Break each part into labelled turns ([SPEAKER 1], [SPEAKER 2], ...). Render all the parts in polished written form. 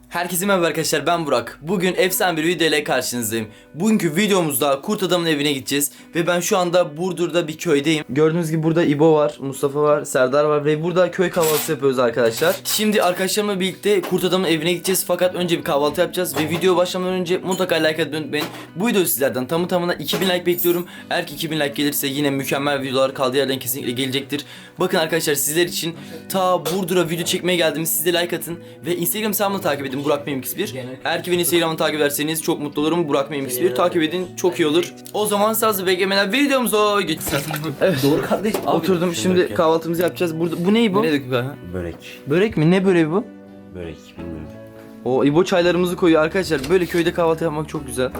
[SPEAKER 1] Herkese merhaba arkadaşlar, ben Burak. Bugün efsane bir video ile karşınızdayım. Bugünkü videomuzda kurt adamın evine gideceğiz. Ve ben şu anda Burdur'da bir köydeyim. Gördüğünüz gibi burada İbo var, Mustafa var, Serdar var ve burada köy kahvaltısı yapıyoruz arkadaşlar. Şimdi arkadaşlarımla birlikte kurt adamın evine gideceğiz. Fakat önce bir kahvaltı yapacağız ve video başlamadan önce mutlaka like atmayı unutmayın. Bu video sizlerden tamı tamına 2000 like bekliyorum. Eğer ki 2000 like gelirse yine mükemmel videolar kaldığı yerden kesinlikle gelecektir. Bakın arkadaşlar, sizler için ta Burdur'a video çekmeye geldim. Siz de like atın ve Instagram hesabımı takip edin. Burak Memix1. Eğer ki beni Instagram'dan takip ederseniz çok mutlu olurum. Burak Memix1 takip edin, çok iyi olur. O zaman sazı beklemeden videomuza geçsin. Evet.
[SPEAKER 2] Doğru kardeş.
[SPEAKER 1] Oturdum, şimdi kahvaltımızı yapacağız. Burada bu ne bu?
[SPEAKER 2] Ne dedik ha? Börek.
[SPEAKER 1] Börek mi? Ne böreği bu?
[SPEAKER 2] Börek bilmiyorum.
[SPEAKER 1] O İbo çaylarımızı koyuyor arkadaşlar. Böyle köyde kahvaltı yapmak çok güzel.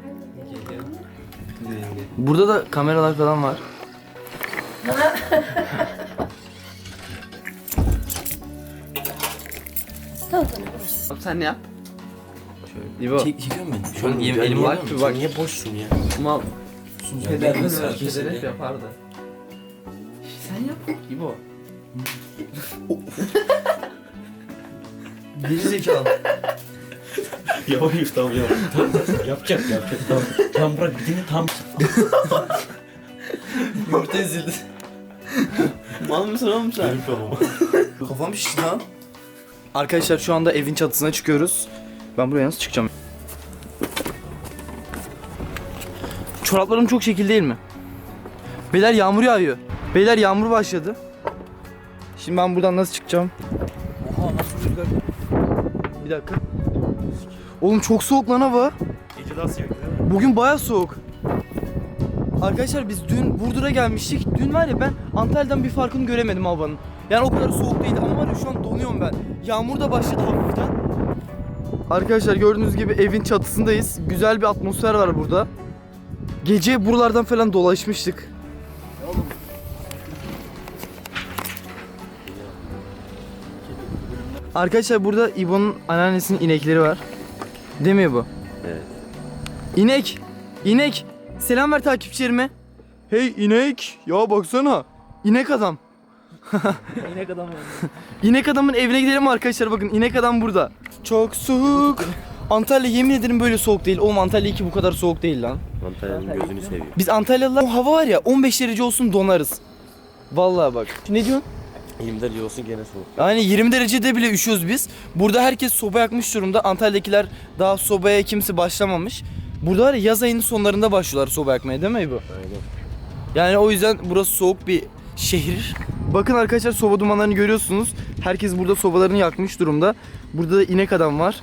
[SPEAKER 1] Burada da kameralar falan var.
[SPEAKER 2] Sen ne yap?
[SPEAKER 1] İbo.
[SPEAKER 2] Çekiyor mu beni?
[SPEAKER 1] Şu an elim var.
[SPEAKER 2] Bak niye boşsun ya?
[SPEAKER 1] Mal.
[SPEAKER 2] Peder hep
[SPEAKER 1] yapardı. Sen yap İbo. Geri zekalı.
[SPEAKER 2] Yapayım tamam. Yapacak tamam. Tamam bırak dini tam.
[SPEAKER 1] Yumurta ezildi.
[SPEAKER 2] Mal mısın oğlum sen? Benim kafama.
[SPEAKER 1] Kafam şişti lan. Arkadaşlar şu anda evin çatısına çıkıyoruz. Ben buraya nasıl çıkacağım? Çoraplarım çok şekil değil mi? Beyler yağmur yağıyor. Beyler yağmur başladı. Şimdi ben buradan nasıl çıkacağım?
[SPEAKER 2] Oha nasıl rüzgar?
[SPEAKER 1] Bir dakika. Oğlum çok soğuk lan hava.
[SPEAKER 2] Gece daha sıcak değil mi?
[SPEAKER 1] Bugün baya soğuk. Arkadaşlar biz dün Burdur'a gelmiştik. Dün var ya, ben Antalya'dan bir farkını göremedim havanın. Yani o kadar soğuk değildi ama var ya, şu an donuyorum ben. Yağmur da başladı hafiften. Arkadaşlar gördüğünüz gibi evin çatısındayız. Güzel bir atmosfer var burada. Gece buralardan falan dolaşmıştık. Arkadaşlar burada İbo'nun anneannesinin inekleri var. Değil mi İbo?
[SPEAKER 2] Evet.
[SPEAKER 1] İnek! İnek! Selam ver takipçilerime. Hey inek! Ya baksana. İnek adam.
[SPEAKER 2] İnek adam yani.
[SPEAKER 1] İnek adamın evine gidelim arkadaşlar, bakın inek adam burada. Çok soğuk. Antalya yemin ederim böyle soğuk değil. Oğlum Antalya 2 bu kadar soğuk değil lan.
[SPEAKER 2] Antalya'nın gözünü seviyor.
[SPEAKER 1] Biz Antalyalılar, o hava var ya 15 derece olsun donarız. Vallahi bak. Ne diyorsun?
[SPEAKER 2] 20 derece olsun gene soğuk.
[SPEAKER 1] Yani 20 derecede bile üşüyoruz biz. Burada herkes soba yakmış durumda. Antalya'dakiler daha sobaya kimse başlamamış. Burada var ya, yaz ayının sonlarında başlıyorlar soba yakmaya, değil mi bu?
[SPEAKER 2] Aynen.
[SPEAKER 1] Yani o yüzden burası soğuk bir şehir. Bakın arkadaşlar, soba dumanlarını görüyorsunuz. Herkes burada sobalarını yakmış durumda. Burada da inek adam var.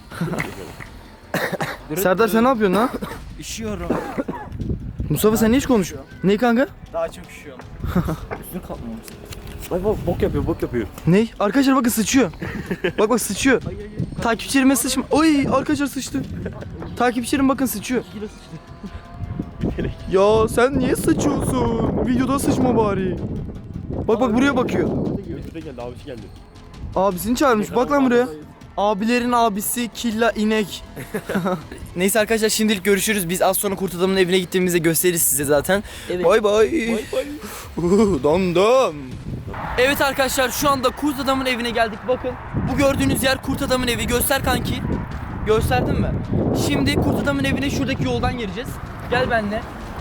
[SPEAKER 1] Serdar sen ne yapıyorsun lan?
[SPEAKER 2] Üşüyorum.
[SPEAKER 1] Mustafa sen hiç konuş. Ne kanka?
[SPEAKER 2] Daha çok üşüyorum. Üstüne kalkmamışsın. Ay bak bok yapıyor.
[SPEAKER 1] Ne? Arkadaşlar bakın sıçıyor. Bak sıçıyor. Takipçilerime sıçma. Oy arkadaşlar sıçtı. Takipçilerim bakın sıçıyor. Ya sen niye sıçıyorsun? Videoda sıçma bari. Bak buraya bakıyor.
[SPEAKER 2] Götürde geldi abisi geldi.
[SPEAKER 1] Abisini çağırmış. Bak lan buraya. Abilerin abisi Killa inek. Neyse arkadaşlar, şimdilik görüşürüz. Biz az sonra kurt adamın evine gittiğimizde gösteririz size zaten.
[SPEAKER 2] Evet.
[SPEAKER 1] Bay bay. Dam. Evet arkadaşlar, şu anda kurt adamın evine geldik. Bakın bu gördüğünüz yer kurt adamın evi. Göster kanki. Gösterdin mi? Şimdi kurt adamın evine şuradaki yoldan gireceğiz. Gel benimle.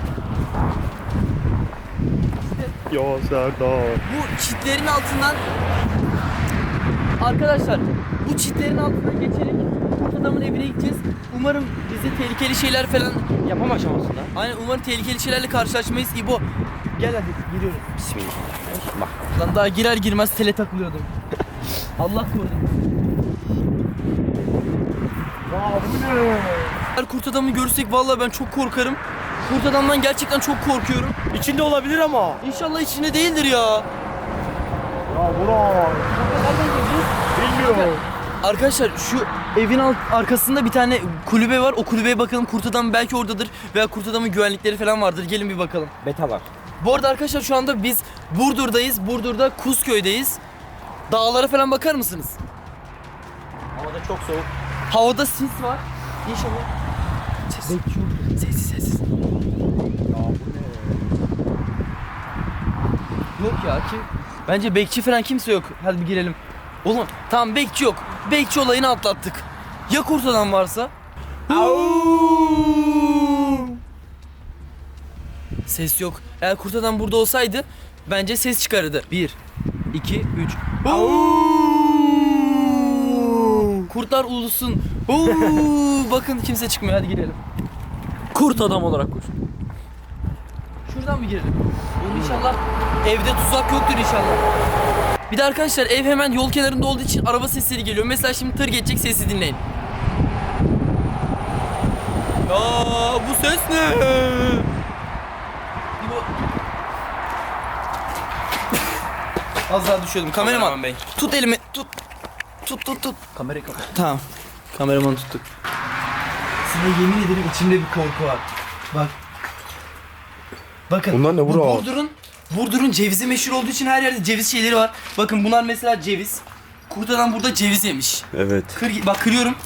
[SPEAKER 2] Ya Serdar.
[SPEAKER 1] Bu çitlerin altından, arkadaşlar bu çitlerin altından geçerek kurt adamın evine gideceğiz. Umarım bize tehlikeli şeyler falan
[SPEAKER 2] Yapam aşamasında.
[SPEAKER 1] Aynen, umarım tehlikeli şeylerle karşılaşmayız. İbo gel hadi giriyoruz.
[SPEAKER 2] Bismillah. Bak.
[SPEAKER 1] Lan daha girer girmez tele takılıyordum. Allah korusun. Eğer kurt adamı görürsek vallahi ben çok korkarım. Kurt adamdan gerçekten çok korkuyorum.
[SPEAKER 2] İçinde olabilir ama.
[SPEAKER 1] İnşallah içinde değildir ya.
[SPEAKER 2] Ya Burak. Bilmiyorum.
[SPEAKER 1] Arkadaşlar şu evin arkasında bir tane kulübe var. O kulübeye bakalım, kurt adam belki oradadır veya kurt adamın güvenlikleri falan vardır. Gelin bir bakalım.
[SPEAKER 2] Beta var.
[SPEAKER 1] Bu arada arkadaşlar şu anda biz Burdur'dayız. Burdur'da Kuzköy'deyiz. Dağlara falan bakar mısınız?
[SPEAKER 2] Havada çok soğuk.
[SPEAKER 1] Havada sis var. İnşallah. Sessiz.
[SPEAKER 2] Ya bu ne?
[SPEAKER 1] Yok ya ki. Bence bekçi falan kimse yok. Hadi bir girelim. Oğlum tamam, bekçi yok. Bekçi olayını atlattık. Ya kurt adam varsa? Ses yok. Eğer kurt adam burada olsaydı bence ses çıkarırdı. 1, 2, 3. Kurtlar ulusun. Bakın kimse çıkmıyor. Hadi girelim.
[SPEAKER 2] Kurt adam olarak koş.
[SPEAKER 1] Şuradan mı girelim? Oğlum inşallah evde tuzak yoktur inşallah. Bir de arkadaşlar ev hemen yol kenarında olduğu için araba sesleri geliyor. Mesela şimdi tır geçecek, sesi dinleyin. Aa, bu ses ne? Az daha düşüyordum. Kameraman bey. Tut elimi. Tut.
[SPEAKER 2] Kamerayı kapat.
[SPEAKER 1] Tamam. Kameramanı tuttuk. Size yemin ederim içimde bir korku var. Bak. Bakın.
[SPEAKER 3] Bunlar ne
[SPEAKER 1] bu
[SPEAKER 3] bro?
[SPEAKER 1] Burdur'un cevizi meşhur olduğu için her yerde ceviz şeyleri var. Bakın bunlar mesela ceviz. Kurt adam burada ceviz yemiş.
[SPEAKER 3] Evet.
[SPEAKER 1] Bak kırıyorum.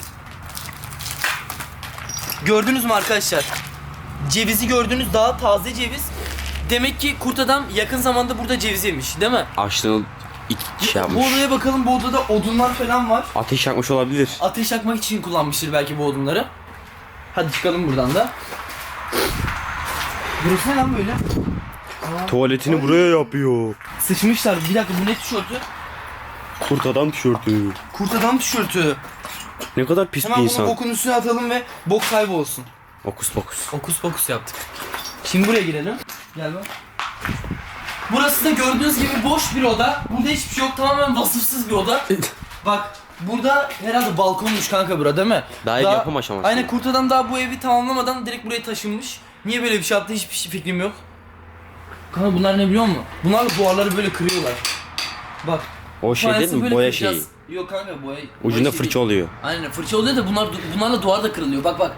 [SPEAKER 1] Gördünüz mü arkadaşlar? Cevizi gördünüz, daha taze ceviz. Demek ki kurt adam yakın zamanda burada ceviz yemiş, değil mi?
[SPEAKER 3] Açlığını şey
[SPEAKER 1] Bu
[SPEAKER 3] yapmış.
[SPEAKER 1] odaya bakalım, bu odada odunlar falan var.
[SPEAKER 3] Ateş yakmış olabilir.
[SPEAKER 1] Ateş yakmak için kullanmıştır belki bu odunları. Hadi çıkalım buradan da. Burası ne lan böyle?
[SPEAKER 3] Tuvaletini buraya yapıyor.
[SPEAKER 1] Sıçmışlar. Bir dakika, bu ne tişörtü?
[SPEAKER 3] Kurt adam tişörtü.
[SPEAKER 1] Kurt adam tişörtü.
[SPEAKER 3] Ne kadar pis
[SPEAKER 1] Hemen
[SPEAKER 3] bir
[SPEAKER 1] bunu
[SPEAKER 3] insan.
[SPEAKER 1] bokun üstüne atalım ve bok kaybolsun.
[SPEAKER 3] Okus pokus.
[SPEAKER 1] Okus pokus yaptık. Şimdi buraya girelim. Gel bak. Burası da gördüğünüz gibi boş bir oda. Burada hiçbir şey yok. Tamamen vasıfsız bir oda. Bak burada herhalde balkonmuş kanka bura, değil mi?
[SPEAKER 3] Daha ev yapım aşaması.
[SPEAKER 1] Aynen, kurt adam daha bu evi tamamlamadan direkt buraya taşınmış. Niye böyle bir şey yaptı hiçbir fikrim yok. Kanka bunlar ne biliyor musun? Bunlarla duvarları böyle kırıyorlar. Bak.
[SPEAKER 3] O şey değil
[SPEAKER 1] fayansı
[SPEAKER 3] mi?
[SPEAKER 1] böyle
[SPEAKER 3] Boya
[SPEAKER 1] kıracağız.
[SPEAKER 3] şeyi.
[SPEAKER 1] Yok kanka boya.
[SPEAKER 3] Ucunda
[SPEAKER 1] boya şey
[SPEAKER 3] fırça
[SPEAKER 1] değil.
[SPEAKER 3] oluyor.
[SPEAKER 1] Aynen fırça oluyor da bunlarla duvar da kırılıyor. Bak.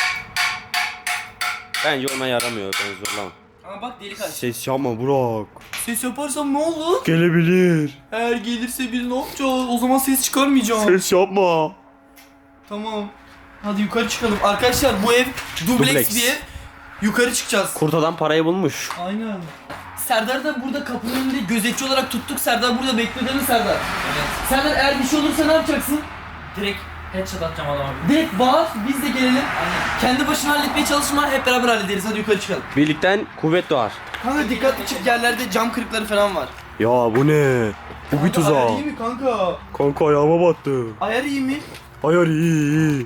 [SPEAKER 3] Bence ona yaramıyor. Ben zorlamam.
[SPEAKER 1] Ama bak delik aç.
[SPEAKER 3] Ses yapma Burak.
[SPEAKER 1] Ses yaparsam ne olur?
[SPEAKER 3] Gelebilir.
[SPEAKER 1] Eğer gelirse biz ne yapacağız? O zaman ses çıkarmayacağım.
[SPEAKER 3] Ses yapma.
[SPEAKER 1] Tamam. Hadi yukarı çıkalım. Arkadaşlar bu ev dubleks
[SPEAKER 3] Dubleks.
[SPEAKER 1] bir ev. Yukarı çıkacağız.
[SPEAKER 3] Kurt adam parayı bulmuş.
[SPEAKER 1] Aynen. Serdar da burada kapının önünde gözetçi olarak tuttuk. Serdar burada bekliyor değil mi Serdar? Evet. Serdar eğer bir şey olursa ne yapacaksın?
[SPEAKER 2] Direkt headshot atacağım adama.
[SPEAKER 1] Direkt bağır, biz de gelelim. Aynen. Kendi başına halletmeye çalışma, hep beraber hallederiz. Hadi yukarı çıkalım.
[SPEAKER 3] Birlikten kuvvet doğar.
[SPEAKER 1] Kanka dikkatli çık, yerlerde cam kırıkları falan var.
[SPEAKER 3] Ya bu ne? Bu bir
[SPEAKER 1] Ayar
[SPEAKER 3] tuzak.
[SPEAKER 1] iyi mi kanka?
[SPEAKER 3] Kanka ayağıma battı.
[SPEAKER 1] Ayar iyi mi?
[SPEAKER 3] Ayar iyi.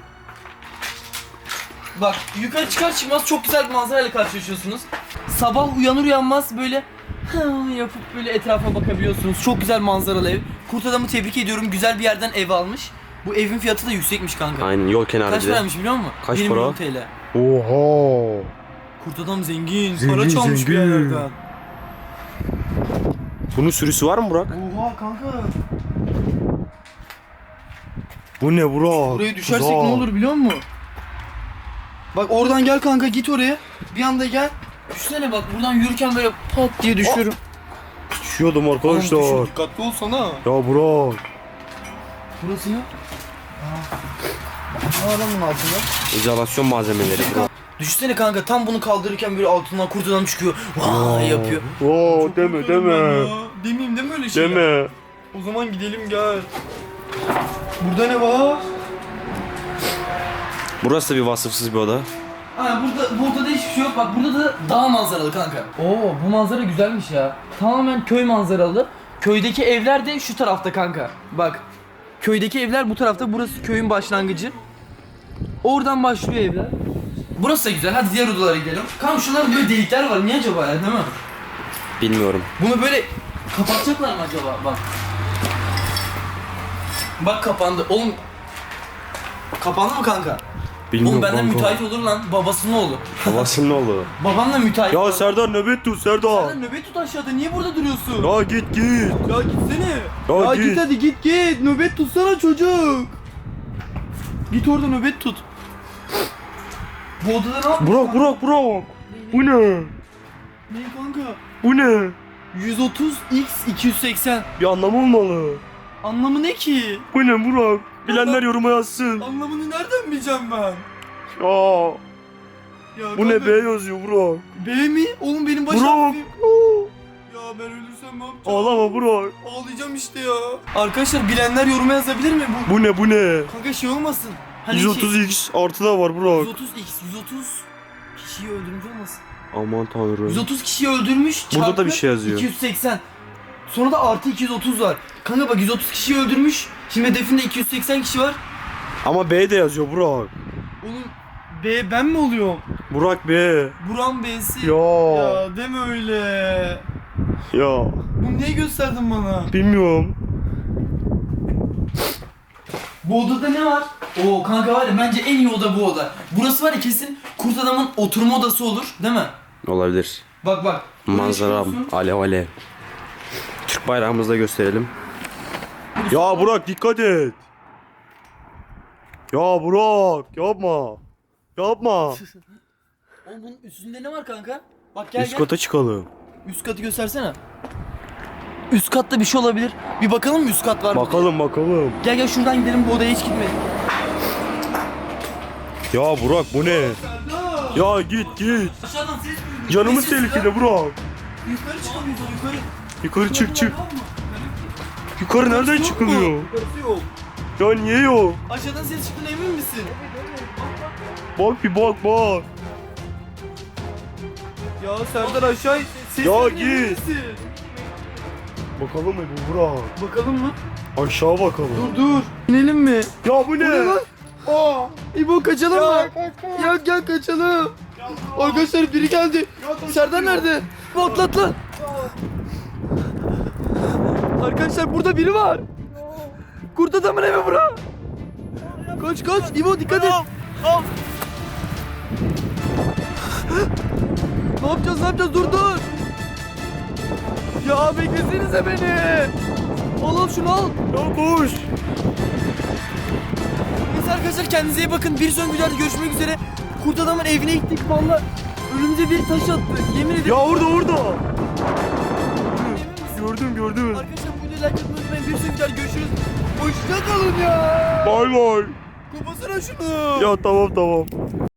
[SPEAKER 1] Bak yukarı çıkar çıkmaz çok güzel bir manzarayla karşılaşıyorsunuz. Sabah uyanır uyanmaz böyle yapıp böyle etrafa bakabiliyorsunuz. Çok güzel manzaralı ev. Kurt adamı tebrik ediyorum. Güzel bir yerden ev almış. Bu evin fiyatı da yüksekmiş kanka.
[SPEAKER 3] Aynen yol kenarı
[SPEAKER 1] Kaç
[SPEAKER 3] bir de.
[SPEAKER 1] paraymış biliyor musun?
[SPEAKER 3] Kaç
[SPEAKER 1] 1
[SPEAKER 3] para?
[SPEAKER 1] milyon TL.
[SPEAKER 3] Oha.
[SPEAKER 1] Kurt adam zengin.
[SPEAKER 3] Zengin,
[SPEAKER 1] Para çalmış bir
[SPEAKER 3] zengin.
[SPEAKER 1] yerlerden.
[SPEAKER 3] Bunun sürüsü var mı Burak?
[SPEAKER 1] Oha kanka.
[SPEAKER 3] Bu ne Burak?
[SPEAKER 1] Buraya düşersek ne olur biliyor musun? Bak oradan gel kanka, git oraya. Bir anda gel. Düşsene bak, buradan yürürken böyle pat diye düşüyorum.
[SPEAKER 3] Düşüyordum
[SPEAKER 1] Oğlum
[SPEAKER 3] arkadaşlar.
[SPEAKER 1] düşün, dikkatli olsana.
[SPEAKER 3] Ya Burak.
[SPEAKER 1] Burası ne? Ne var lan bunun altında?
[SPEAKER 3] İzolasyon malzemeleri Burak.
[SPEAKER 1] Düşünsene kanka, tam bunu kaldırırken böyle altından kurt adam çıkıyor. Vay yapıyor.
[SPEAKER 3] Oo deme deme.
[SPEAKER 1] Demeyeyim deme öyle şeyler.
[SPEAKER 3] Deme.
[SPEAKER 1] O zaman gidelim gel. Burada ne var?
[SPEAKER 3] Burası da bir vasıfsız bir oda.
[SPEAKER 1] Ha burada da hiçbir şey yok. Bak burada da dağ manzaralı kanka. Oo bu manzara güzelmiş ya. Tamamen köy manzaralı. Köydeki evler de şu tarafta kanka. Bak. Köydeki evler bu tarafta. Burası köyün başlangıcı. Oradan başlıyor evler. Burası da güzel. Hadi diğer odalara gidelim. Kanka şunlarda böyle delikler var. Niye acaba ya, değil mi?
[SPEAKER 3] Bilmiyorum.
[SPEAKER 1] Bunu böyle kapatacaklar mı acaba? Bak. Bak kapandı. Oğlum. Kapandı mı kanka?
[SPEAKER 3] Bilmiyorum
[SPEAKER 1] Oğlum benden
[SPEAKER 3] kanka.
[SPEAKER 1] müteahhit olur lan. Babasının oğlu.
[SPEAKER 3] Babasının oğlu.
[SPEAKER 1] Babamla müteahhit.
[SPEAKER 3] Ya Serdar nöbet tut Serdar.
[SPEAKER 1] Sen nöbet tut aşağıda. Niye burada duruyorsun?
[SPEAKER 3] Ya git.
[SPEAKER 1] Ya gitsene.
[SPEAKER 3] Ya
[SPEAKER 1] git
[SPEAKER 3] git.
[SPEAKER 1] hadi git. Nöbet tutsana çocuk. Git orada nöbet tut. Bu odada ne yapıyorsun?
[SPEAKER 3] Burak. Bu ne?
[SPEAKER 1] Ne kanka?
[SPEAKER 3] Bu ne?
[SPEAKER 1] 130 x 280.
[SPEAKER 3] Bir anlamı olmalı.
[SPEAKER 1] Anlamı ne ki?
[SPEAKER 3] Bu ne Burak? Bilenler yoruma yazsın.
[SPEAKER 1] Anlamını nereden bileceğim ben?
[SPEAKER 3] Ya
[SPEAKER 1] Ya
[SPEAKER 3] bu ne
[SPEAKER 1] kanka,
[SPEAKER 3] B yazıyor Burak?
[SPEAKER 1] B mi? Oğlum benim baş
[SPEAKER 3] Burak.
[SPEAKER 1] harfim. Ya ben ölürsem ne yapacağım?
[SPEAKER 3] Ağlama Burak.
[SPEAKER 1] Ağlayacağım işte ya. Arkadaşlar bilenler yoruma yazabilir mi?
[SPEAKER 3] Bu ne?
[SPEAKER 1] Kanka şey olmasın. Hani
[SPEAKER 3] 130x artı da var Burak.
[SPEAKER 1] 130x 130 kişiyi öldürmüş olmasın?
[SPEAKER 3] Aman tanrım.
[SPEAKER 1] 130 kişiyi öldürmüş.
[SPEAKER 3] Burada da
[SPEAKER 1] çarpı
[SPEAKER 3] bir şey yazıyor.
[SPEAKER 1] 280. Sonra da artı 230 var. Kanka bak 130 kişiyi öldürmüş. Şimdi hedefinde 280 kişi var.
[SPEAKER 3] Ama B de yazıyor Burak.
[SPEAKER 1] Oğlum B ben mi oluyorum?
[SPEAKER 3] Burak B.
[SPEAKER 1] Buran B'si.
[SPEAKER 3] Ya.
[SPEAKER 1] Ya deme öyle.
[SPEAKER 3] Ya.
[SPEAKER 1] Bu neyi gösterdin bana?
[SPEAKER 3] Bilmiyorum.
[SPEAKER 1] Bu odada ne var? Oo kanka var ya bence en iyi oda bu oda. Burası var ya kesin kurt adamın oturma odası olur değil mi?
[SPEAKER 3] Olabilir.
[SPEAKER 1] Bak bak. Buraya
[SPEAKER 3] Manzaram
[SPEAKER 1] çıkıyorsun.
[SPEAKER 3] alev alev. Türk bayrağımızı da gösterelim. Ya Burak dikkat et. Ya Burak yapma. Yapma.
[SPEAKER 1] Oğlum bunun üstünde ne var kanka? Bak gel
[SPEAKER 3] Üst
[SPEAKER 1] gel.
[SPEAKER 3] kata çıkalım.
[SPEAKER 1] Üst katı göstersene. Üst katta bir şey olabilir. Bir bakalım mı üst kat var mı?
[SPEAKER 3] Bakalım bakalım.
[SPEAKER 1] Gel gel şuradan gidelim, bu odaya hiç gitmedik.
[SPEAKER 3] Ya Burak bu ne? Ya git git.
[SPEAKER 1] Aşağıdan ses duyuyorum.
[SPEAKER 3] Canımız
[SPEAKER 1] Ne sesi
[SPEAKER 3] tehlikede
[SPEAKER 1] ya?
[SPEAKER 3] Burak.
[SPEAKER 1] Yukarı çıkamıyoruz yukarı.
[SPEAKER 3] Yukarı çık çık.
[SPEAKER 1] Var mı?
[SPEAKER 3] Yukarı nereden
[SPEAKER 1] Yukarısı yok
[SPEAKER 3] çıkılıyor?
[SPEAKER 1] mu? Yukarısı yok.
[SPEAKER 3] Ya niye yok?
[SPEAKER 1] Aşağıdan ses çıktığına emin misin?
[SPEAKER 3] Bak bir bak bak.
[SPEAKER 1] Ya Serdar aşağı ses
[SPEAKER 3] Ya
[SPEAKER 1] emin
[SPEAKER 3] git.
[SPEAKER 1] misin?
[SPEAKER 3] Bakalım mı bu Burak?
[SPEAKER 1] Bakalım mı?
[SPEAKER 3] Aşağı bakalım.
[SPEAKER 1] Dur. İnelim mi?
[SPEAKER 3] Ya bu ne?
[SPEAKER 1] Aa, İbo kaçalım mı? Ya gel kaçalım. Arkadaşlar biri geldi. Serdar nerede? Atlat lan. Arkadaşlar burada biri var. Kurt adamın evi bura. Kaç kaç İbo dikkat et. Ne yapacağız dur. Ya beklesenize beni. Al şunu al.
[SPEAKER 3] Ya koş.
[SPEAKER 1] Neyse arkadaşlar kendinize iyi bakın. Bir sonraki videoda görüşmek üzere. Kurt adamın evine gittik valla. Önümüze bir taş attı. Yemin ederim.
[SPEAKER 3] Ya orada orada.
[SPEAKER 1] Emin misin?
[SPEAKER 3] Gördüm.
[SPEAKER 1] Arkadaşlar bu videoyu like atmayı unutmayın. Bir sonraki videoda görüşürüz. Hoşça kalın ya.
[SPEAKER 3] Bay bay.
[SPEAKER 1] Kapasana şunu.
[SPEAKER 3] Ya tamam.